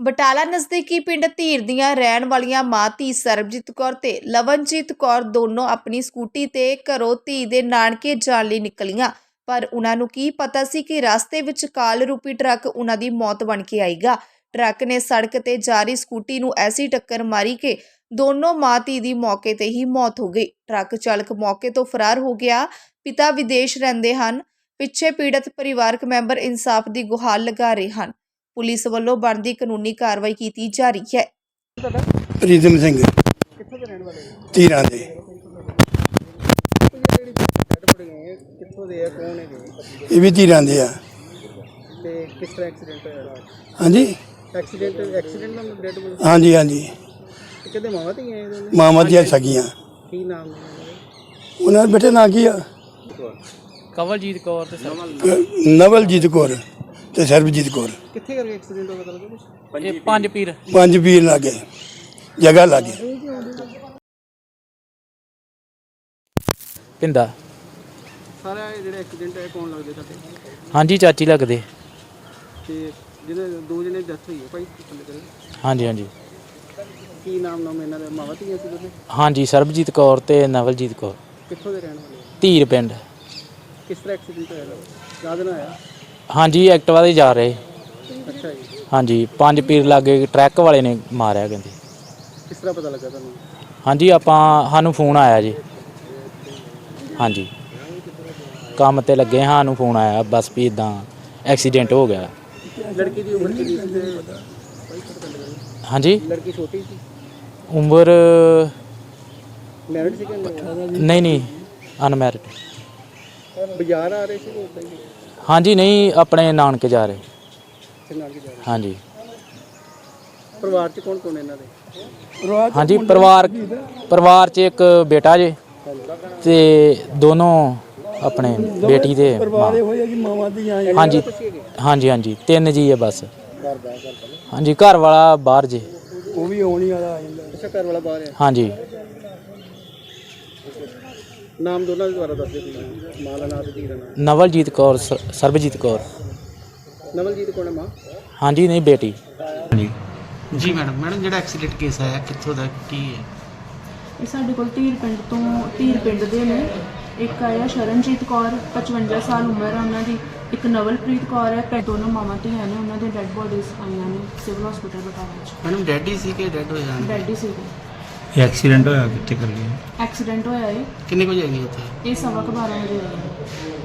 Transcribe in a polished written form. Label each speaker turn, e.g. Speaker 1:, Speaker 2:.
Speaker 1: ਬਟਾਲਾ ਨਜ਼ਦੀਕੀ ਪਿੰਡ ਧੀਰ ਦੀਆਂ ਰਹਿਣ ਵਾਲੀਆਂ ਮਾਂ ਧੀ ਸਰਬਜੀਤ ਕੌਰ ਤੇ ਲਵਨਜੀਤ ਕੌਰ ਦੋਨੋਂ ਆਪਣੀ ਸਕੂਟੀ ਤੇ ਘਰੋਂ ਧੀ ਦੇ ਨਾਨਕੇ ਜਾਣ ਲਈ ਨਿਕਲੀਆਂ। ਪਰ ਉਹਨਾਂ ਨੂੰ ਕੀ ਪਤਾ ਸੀ ਕਿ ਰਸਤੇ ਵਿੱਚ ਕਾਲ ਰੂਪੀ ਟਰੱਕ ਉਹਨਾਂ ਦੀ ਮੌਤ ਬਣ ਕੇ ਆਏਗਾ। ਟਰੱਕ ਨੇ ਸੜਕ ਤੇ ਜਾ ਰਹੀ ਸਕੂਟੀ ਨੂੰ ਐਸੀ ਟੱਕਰ ਮਾਰੀ ਕਿ ਦੋਨੋਂ ਮਾਂ ਧੀ ਦੀ ਮੌਕੇ ਤੇ ਹੀ ਮੌਤ ਹੋ ਗਈ। ਟਰੱਕ ਚਾਲਕ ਮੌਕੇ ਤੋਂ ਫਰਾਰ ਹੋ ਗਿਆ। ਪਿਤਾ ਵਿਦੇਸ਼ ਰਹਿੰਦੇ ਹਨ। ਪਿੱਛੇ ਪੀੜਤ ਪਰਿਵਾਰਕ ਮੈਂਬਰ ਇਨਸਾਫ ਦੀ ਗੁਹਾਰ ਲਗਾ ਰਹੇ ਹਨ। ਪੁਲਿਸ ਵੱਲੋਂ ਬਣਦੀ ਕਾਨੂੰਨੀ ਕਾਰਵਾਈ ਕੀਤੀ ਜਾ ਰਹੀ ਹੈ।
Speaker 2: ਪ੍ਰੀਤਮ ਸਿੰਘ
Speaker 3: ਕਿੱਥੋਂ ਦੇ ਰਹਿਣ ਵਾਲੇ ਹੋ?
Speaker 2: ਧੀਰਾਂ ਦੇ
Speaker 3: ਜਿਹੜੀ ਡੈਡ ਬੋਡੀ ਹੈ ਕਿੱਥੋਂ ਦੇ ਆ, ਕੌਣ ਹੈਗੇ
Speaker 2: ਇਹ ਵੀ ਧੀਰਾਂ ਦੇ ਆ।
Speaker 3: ਤੇ ਕਿਸ ਤਰ੍ਹਾਂ ਐਕਸੀਡੈਂਟ ਹੋਇਆ?
Speaker 2: ਹਾਂਜੀ
Speaker 3: ਐਕਸੀਡੈਂਟ ਨਾਲ ਡੈਡ ਬੋਡੀ
Speaker 2: ਹਾਂਜੀ ਹਾਂਜੀ
Speaker 3: ਕਿਤੇ ਮਾਵਾਂ ਧੀਆਂ ਆਏ ਨੇ?
Speaker 2: ਮਾਵਾਂ ਦੀਆਂ ਸਗੀਆਂ।
Speaker 3: ਕੀ ਨਾਮ ਨੇ ਉਹਨਾਂ ਦੇ?
Speaker 2: ਉਹਨਾਂ ਦੇ ਬੇਟੇ ਨਾਂ ਕੀ ਆ?
Speaker 4: ਕਵਲਜੀਤ ਕੌਰ ਤੇ
Speaker 2: ਨਵਲਜੀਤ ਕੌਰ ਤੇ ਸਰਬਜੀਤ ਕੌਰ।
Speaker 3: ਕਿੱਥੇ ਕਰਕੇ ਐਕਸੀਡੈਂਟ ਹੋਇਆ ਪਤਾ ਲੱਗਾ ਕੁਛ?
Speaker 4: ਇਹ ਪੰਜ ਪੀਰ
Speaker 2: ਪੰਜ ਪੀਰ ਲਾਗੇ ਜਗ੍ਹਾ ਲਾਗੇ।
Speaker 4: ਪਿੰਦਾ।
Speaker 3: ਸਾਰਾ ਇਹ ਜਿਹੜਾ ਐਕਸੀਡੈਂਟ ਹੈ ਕੌਣ ਲੱਗਦੇ ਸਾਡੇ?
Speaker 4: ਹਾਂਜੀ ਚਾਚੀ ਲੱਗਦੇ।
Speaker 3: ਤੇ ਜਿਹਦੇ ਦੋ ਜਣੇ ਡੈਥ ਹੋਈ ਹੈ ਭਾਈ ਥੱਲੇ ਕਰੇ,
Speaker 4: ਹਾਂਜੀ ਹਾਂਜੀ
Speaker 3: ਕੀ ਨਾਮ ਇਹਨਾਂ ਦੇ? ਮਾਵਾਂ ਧੀਆਂ ਸੀ ਦੋਨੇ?
Speaker 4: ਹਾਂਜੀ ਸਰਬਜੀਤ ਕੌਰ ਤੇ ਨਵਲਜੀਤ ਕੌਰ।
Speaker 3: ਕਿੱਥੋਂ ਦੇ ਰਹਿਣ ਵਾਲੇ ਹੋ?
Speaker 4: ਧੀਰ ਪਿੰਡ।
Speaker 3: ਕਿਸ ਤਰ੍ਹਾਂ ਐਕਸੀਡੈਂਟ ਹੋਇਆ? ਯਾਦ ਨਾ ਆਇਆ?
Speaker 4: ਹਾਂਜੀ ਐਕਟਿਵਾ ਤੇ ਜਾ ਰਹੇ।
Speaker 3: ਅੱਛਾ ਜੀ,
Speaker 4: ਹਾਂਜੀ ਪੰਜ ਪੀਰ ਲਾਗੇ ਟਰੱਕ ਵਾਲੇ ਨੇ ਮਾਰਿਆ ਕਹਿੰਦੇ।
Speaker 3: ਕਿਸ ਤਰ੍ਹਾਂ ਪਤਾ ਲੱਗਾ ਤੁਹਾਨੂੰ?
Speaker 4: ਹਾਂਜੀ ਸਾਨੂੰ ਫੋਨ ਆਇਆ ਜੀ। ਹਾਂਜੀ ਕੰਮ ਤੇ ਲੱਗੇ, ਸਾਨੂੰ ਫੋਨ ਆਇਆ ਬਸ ਵੀ ਇਦਾਂ ਐਕਸੀਡੈਂਟ ਹੋ ਗਿਆ।
Speaker 3: ਲੜਕੀ ਦੀ ਉਮਰ ਕਿੰਨੀ ਸੀ ਤੇ
Speaker 4: ਹਾਂਜੀ
Speaker 3: ਲੜਕੀ ਛੋਟੀ ਸੀ?
Speaker 4: ਉਮਰ
Speaker 3: ਮੈਰਿਡ ਸੀ ਕਿ
Speaker 4: ਨਹੀਂ ਅਨਮੈਰਿਡ।
Speaker 3: ਬਾਜ਼ਾਰ ਆ ਰਹੇ ਸੀ ਕਿ ਉੱਦਾਂ ਹੀ?
Speaker 4: ਹਾਂਜੀ ਨਹੀਂ ਆਪਣੇ ਨਾਨਕੇ ਜਾ ਰਹੇ।
Speaker 3: ਇੱਥੇ ਨਾਲ ਹੀ ਜਾ ਰਹੇ।
Speaker 4: ਹਾਂਜੀ
Speaker 3: ਪਰਿਵਾਰ ਚ ਕੌਣ ਕੌਣ ਇਹਨਾਂ ਦੇ?
Speaker 4: ਹਾਂਜੀ ਪਰਿਵਾਰ 'ਚ ਇੱਕ ਬੇਟਾ ਜੇ ਤੇ ਦੋਨੋਂ ਆਪਣੇ ਬੇਟੀ ਦੇ ਮਾਂ।
Speaker 2: ਮਾਵਾਂ ਦੀਆਂ
Speaker 4: ਹਾਂਜੀ ਹਾਂਜੀ ਹਾਂਜੀ ਤਿੰਨ ਜੀ ਹੈ ਬਸ। ਹਾਂਜੀ ਘਰ ਵਾਲਾ ਬਾਹਰ ਜੇ।
Speaker 2: ਉਹ ਵੀ ਆਉਣੀ ਵਾਲਾ ਆ ਜਾਂਦਾ।
Speaker 3: ਅੱਛਾ, ਘਰ ਵਾਲਾ ਬਾਹਰ ਹੈ।
Speaker 4: ਹਾਂਜੀ
Speaker 3: ਨਾਮ ਦੋਨਾਂ ਦੇ ਦੁਆਰਾ ਦੱਸ ਦਿਓ। ਮਾਂ ਦਾ ਨਾਮ ਤੇ ਧੀ ਦਾ ਨਾਮ?
Speaker 4: ਨਵਲਜੀਤ ਕੌਰ ਸਰਬਜੀਤ ਕੌਰ।
Speaker 3: ਨਵਲਜੀਤ ਕੌਣ ਹੈ ਮਾਂ?
Speaker 4: ਹਾਂਜੀ ਨਹੀਂ ਬੇਟੀ।
Speaker 3: ਜੀ ਮੈਡਮ ਜਿਹੜਾ ਐਕਸੀਡੈਂਟ ਕੇਸ ਆਇਆ ਕਿੱਥੋਂ ਦਾ ਕੀ ਹੈ?
Speaker 5: ਇਹ ਸਾਡੇ ਕੋਲ ਧੀਰ ਪਿੰਡ ਦੇ ਨੇ। ਇੱਕ ਆਇਆ ਸ਼ਰਨਜੀਤ ਕੌਰ 55 ਸਾਲ ਉਮਰ ਹੈ ਉਹਨਾਂ ਦੀ। ਇੱਕ ਨਵਲਪ੍ਰੀਤ ਕੌਰ ਹੈ। ਦੋਨੋਂ ਮਾਵਾਂ ਧੀਆਂ ਨੇ। ਉਹਨਾਂ ਦੇ ਡੈੱਡ ਬੋਡੀਜ਼ ਆਈਆਂ ਨੇ ਸਿਵਲ ਹਸਪੀਟਲ ਬਟਾਲਾ 'ਚ।
Speaker 3: ਮੈਡਮ ਡੈਡ ਹੀ ਸੀ ਕਿ ਡੈਡ ਹੋਇਆ?
Speaker 5: ਡੈਡ ਹੀ ਸੀਗੇ।
Speaker 6: ਇਹ ਐਕਸੀਡੈਂਟ ਹੋਇਆ ਕਿੱਥੇ ਕਰ ਗਿਆ?
Speaker 5: ਐਕਸੀਡੈਂਟ ਹੋਇਆ ਹੈ।
Speaker 3: ਕਿੰਨੇ ਕੁ ਜਾਏਗੀ ਉੱਥੇ?
Speaker 5: ਇਹ 12:15 ਵਜੇ ਹੋਇਆ।